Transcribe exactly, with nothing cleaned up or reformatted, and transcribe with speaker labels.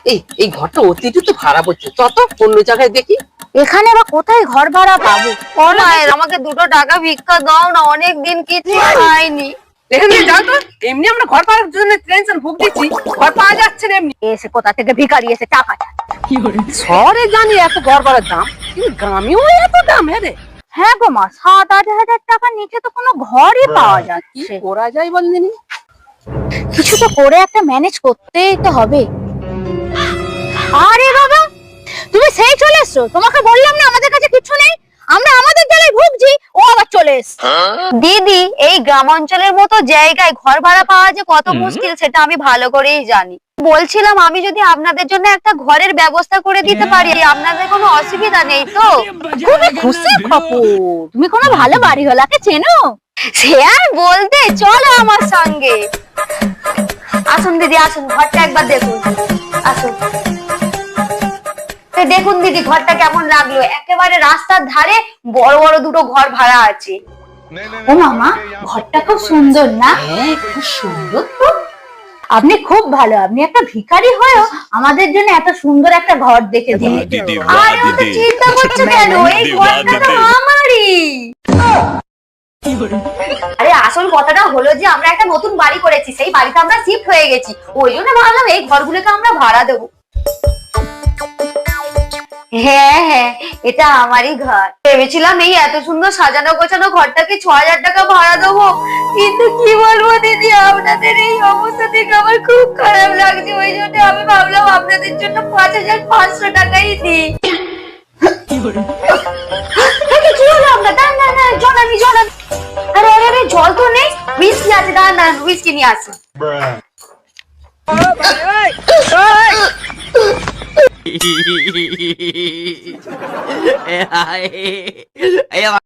Speaker 1: এই এই ঘরটা অতিরিক্ত ভাড়া পড়ছে, যত অন্য জায়গায় দেখি।
Speaker 2: এখানে বা কোথায় ঘর ভাড়া পাবো?
Speaker 3: ও মায়ের আমাকে দুটো টাকা ভিক্ষা দাও না, অনেক দিন কিছু খাইনি।
Speaker 1: এখানে যাও তো, এমনি আমরা ঘর পাওয়ার জন্য টেনশন ভুগতেছি, ঘর পাওয়া যাচ্ছে না এমনি।
Speaker 2: এসে কোথা থেকে ভিখারি এসে টাকা চায়।
Speaker 1: শহরে জানি এত ঘর ভাড়ার দাম, কিন্তু গ্রামেও এত দাম। হ্যাঁ রে,
Speaker 2: হ্যাঁ গো মা, সাত আট হাজার টাকার নিচে তো কোনো ঘরই পাওয়া
Speaker 1: কি
Speaker 2: যাচ্ছে।
Speaker 1: করা যায় বললেন?
Speaker 2: কিছু তো করে একটা ম্যানেজ করতেই তো হবে। আরে বাবা, তুমি সেই চলে এসছো? তোমাকে বললাম না আমাদের কাছে কিছু নেই, আমরা আমাদের জ্বালায় ভুগছি, ও আবার চলে এসছে।
Speaker 3: দিদি, এই গ্রাম অঞ্চলের মতো জায়গায় ঘর ভাড়া পাওয়া যে কত মুশকিল সেটা আমি ভালো করেই জানি। বলছিলাম আমি যদি আপনাদের জন্য একটা ঘরের ব্যবস্থা করে দিতে পারি, আপনাদের কোনো অসুবিধা নেই তো?
Speaker 2: খুবই খুশি খবর। তুমি কোনো ভালো বাড়িওয়ালাকে চেনো?
Speaker 3: সে আর বলতে, চলো আমার সঙ্গে। আসুন দিদি, আসুন, ঘরটা একবার দেখুন। আসুন। এই দেখুন দিদি, ঘরটা কেমন লাগলো? একেবারে রাস্তার ধারে বড় বড় দুটো ঘর ভাড়া আছে।
Speaker 2: ও মামা, ঘরটা খুব সুন্দর না?
Speaker 1: হ্যাঁ, খুব সুন্দর তো।
Speaker 2: আপনি খুব ভালো, আপনি একটা ভিখারি হয়েও আমাদের জন্য এত সুন্দর একটা ঘর দেখে দিন।
Speaker 4: দিদি,
Speaker 3: আরে অত চিন্তা করছো কেন? এই ঘরটা তো আমারই। আরে আসল কথাটা হলো যে আমরা একটা নতুন বাড়ি করেছি, সেই বাড়িতে আমরা শিফট হয়ে গেছি, ওই জন্য ভাবলাম এই ঘরগুলোকে আমরা ভাড়া দেবো। হ্যাঁ হ্যাঁ, এটা আমারই ঘর। ভেবেছিলাম এই এত সুন্দর সাজানো গোছানো ঘরটাকে ছ হাজার টাকা ভাড়া দেবো, কিন্তু কি বলবো দিদি, আপনাদের এই অবস্থা থেকে আমার খুব খারাপ লাগছে, ওই জন্য আমি ভাবলাম আপনাদের জন্য পাঁচ হাজার পাঁচশো টাকাই দিই। কি হলো আপনার? দাঁড়ান না না, জল আনি জল আনি। আরে আরে আরে, জল তো নেই, হুইস্কি আছে, দাঁড়ান না, হুইস্কি নিয়ে আসুন।
Speaker 5: Ay, ay, ay,